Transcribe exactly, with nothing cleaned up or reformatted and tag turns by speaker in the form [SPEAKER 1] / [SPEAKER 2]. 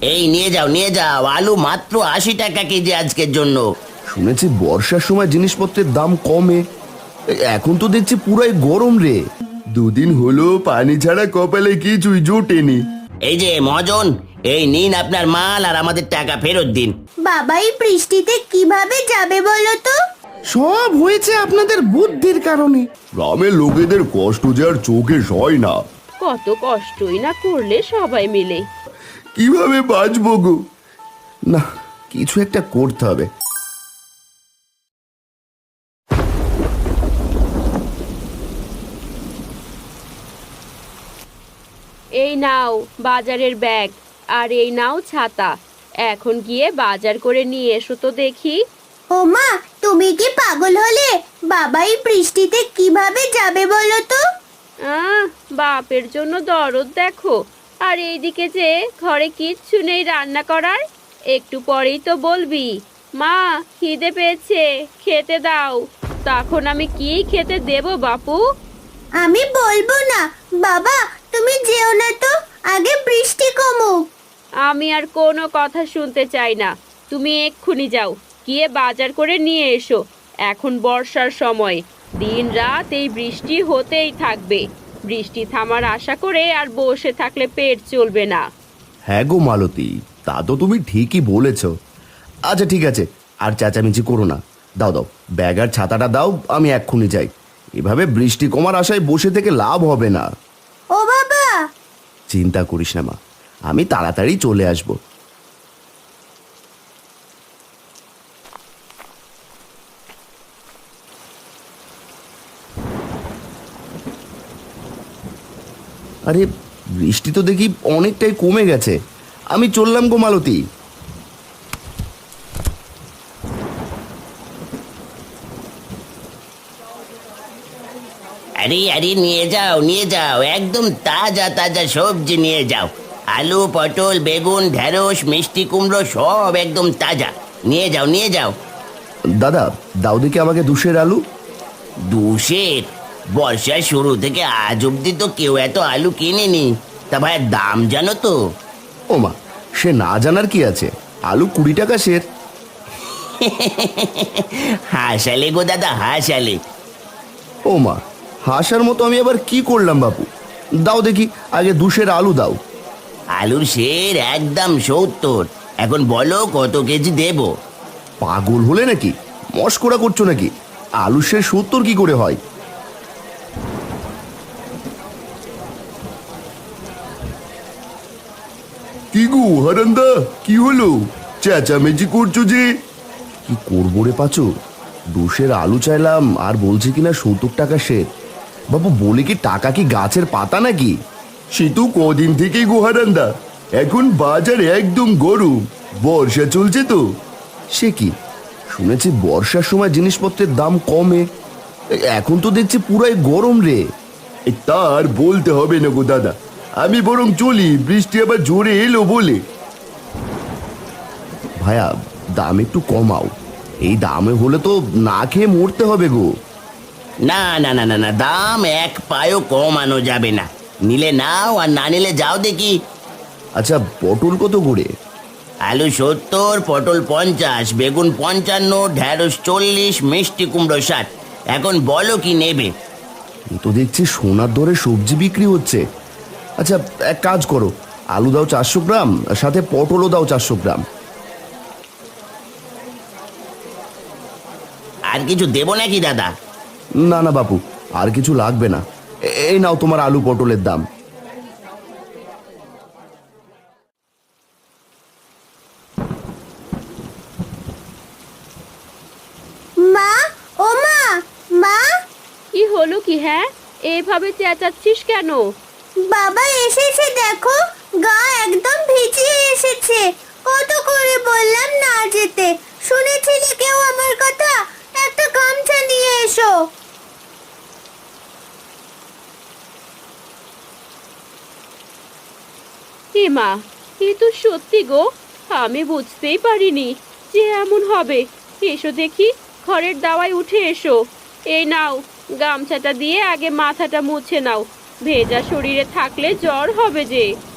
[SPEAKER 1] এই নিয়ে যাও নিয়ে যাও, আলু মাত্র আশি টাকা কেজি আজকের জন্য।
[SPEAKER 2] শুনেছি বর্ষার সময় জিনিসপত্রের দাম কমে, এখন তো দেখছি পুরাই গরম রে। দুদিন হলো পানি ছাড়া কপালে কিছুই জোটেনি।
[SPEAKER 1] এই যে মহাজন, এই নিন আপনার মাল আর আমাদের টাকা ফেরত দিন।
[SPEAKER 3] বাবা এই বৃষ্টিতে কিভাবে যাবে বলো তো?
[SPEAKER 4] সব হয়েছে আপনাদের বুদ্ধির কারণে।
[SPEAKER 2] গ্রামের লোকেদের কষ্ট যে আর চোখে সয় না।
[SPEAKER 5] কত কষ্টই না করলে সবাই মিলে।
[SPEAKER 2] কিভাবে বাঁচবো গো? না, কিছু একটা করতে হবে।
[SPEAKER 5] এই নাও বাজারের ব্যাগ, আর এই নাও ছাতা। এখন গিয়ে বাজার করে নিয়ে এসো তো দেখি।
[SPEAKER 3] ও মা, তুমি কি পাগল হলে? বাবা এই বৃষ্টিতে কিভাবে যাবে বলো তো?
[SPEAKER 5] আহ বাপের জন্য দরদ দেখো, আর এইদিকে যে ঘরে কিচ্ছু নেই রান্না করার। একটু পরেই তো বলবি মা খিদে পেয়েছে খেতে দাও, তখন আমি কি খেতে দেব বাপু?
[SPEAKER 3] আমি বলবো না। বাবা তুমি যেও না তো, আগে বৃষ্টি কমুক।
[SPEAKER 5] আমি আর কোনো কথা শুনতে চাই না, তুমি এক্ষুনি যাও, গিয়ে বাজার করে নিয়ে এসো। এখন বর্ষার সময়, দিন রাত এই বৃষ্টি হতেই থাকবে। বৃষ্টি থামার আশা করে আর বসে থাকলে পেট চলবে না।
[SPEAKER 2] হ্যাঁ গো মালতী, তা তো তুমি ঠিকই বলেছ। আচ্ছা ঠিক আছে, আর চেঁচামেচি করো না। দাও দাও ব্যাগ আর ছাতাটা দাও, আমি এক্ষুনি যাই। এভাবে বৃষ্টি কমার আশায় বসে থেকে লাভ হবে না।
[SPEAKER 3] ও বাবা!
[SPEAKER 2] চিন্তা করিস না মা, আমি তাড়াতাড়ি চলে আসব। আরে বৃষ্টি তো দেখি অনেকটাই কমে গেছে, আমি চললাম গো মালতী।
[SPEAKER 1] আরে আরে নিয়ে যাও নিয়ে যাও, একদম তাজা তাজা সবজি নিয়ে যাও। আলু, পটল, বেগুন, ঢেঁড়স, মিষ্টি কুমড়ো সব একদম তাজা। নিয়ে যাও নিয়ে যাও।
[SPEAKER 2] দাদা দাও দেখি আমাকে দুশের আলু।
[SPEAKER 1] দুশের? বর্ষার শুরু থেকে আজ অব্দি তো কেউ এত আলু কিনেনি। তা ভাই দাম জানো তো?
[SPEAKER 2] ও মা, সে না জানার কি আছে, আলু কুড়ি টাকা সের।
[SPEAKER 1] হাসালে গো দাদা হাসালে।
[SPEAKER 2] ও মা, হাসার মতো আমি আবার কি করলাম বাপু? দাও দেখি আগে দুশের আলু দাও।
[SPEAKER 1] আলুর সের একদম সত্তর। এখন বলো কত কেজি দেব?
[SPEAKER 2] পাগল হলে নাকি? মস্করা করছো নাকি? আলু সে সত্তর কি করে হয়? কি গো হারান্দা, কি হলো? চেঁচামেচি করছো যে? কি করবো রে পাচু, দুশের আলু চাইলাম আর বলছে কিনা সত্তর টাকা সের। বাবু বলে কি টাকা কি গাছের পাতা নাকি? সে তো কদিন থেকেই গো হারান্দা, এখন বাজার একদম গরম, বর্ষা চলছে তো। সে কি, শুনেছি বর্ষার সময় জিনিসপত্রের দাম কমে, এখন তো দেখছি পুরাই গরম রে। তার বলতে হবে না গো দাদা, আমি বরং চলি, বৃষ্টি আবার জোরে এলো বলে। ভাইয়া দাম একটু কমাও, এই দামে হলে তো না খেয়ে মরতে হবে গো।
[SPEAKER 1] না না না না না, দাম এক পায়ও কমানো যাবে না। নিলে নাও আর না নিলে যাও দেখি।
[SPEAKER 2] আচ্ছা পটল কত করে?
[SPEAKER 1] আলু সত্তর, পটল পঞ্চাশ, বেগুন পঞ্চান্ন, ঢেঁড়স চল্লিশ, মিষ্টি কুমড়ো ষাট। এখন বলো কি নেবে?
[SPEAKER 2] এ তো দেখছি সোনার দরে সবজি বিক্রি হচ্ছে। আচ্ছা এক কাজ করো, আলু দাও চারশো গ্রাম, সাথে পটলও দাও চারশো গ্রাম।
[SPEAKER 1] আর কিছু দেবো নাকি দাদা?
[SPEAKER 2] না না বাপু, আর কিছু লাগবে না, এ- এই নাও তোমার আলু পটলের দাম।
[SPEAKER 3] মা, ও মা, মা!
[SPEAKER 5] কি হলো কি? হ্যাঁ এভাবে চেঁচাচ্ছিস কেন?
[SPEAKER 3] বাবা এসেছে দেখো, গা একদম ভিজিয়ে এসেছে। কত করে বললাম না যেতে, শুনেছিলে কেউ আমার কথা? একটা গামছা নিয়ে এসো।
[SPEAKER 5] এ মা, এ তো সত্যি গো, আমি বুঝতেই পারিনি যে এমন হবে। এসো দেখি, ঘরের দাওয়ায় উঠে এসো। এই নাও গামছাটা দিয়ে আগে মাথাটা মুছে নাও, ভেজা শরীরে থাকলে জ্বর হবে যে।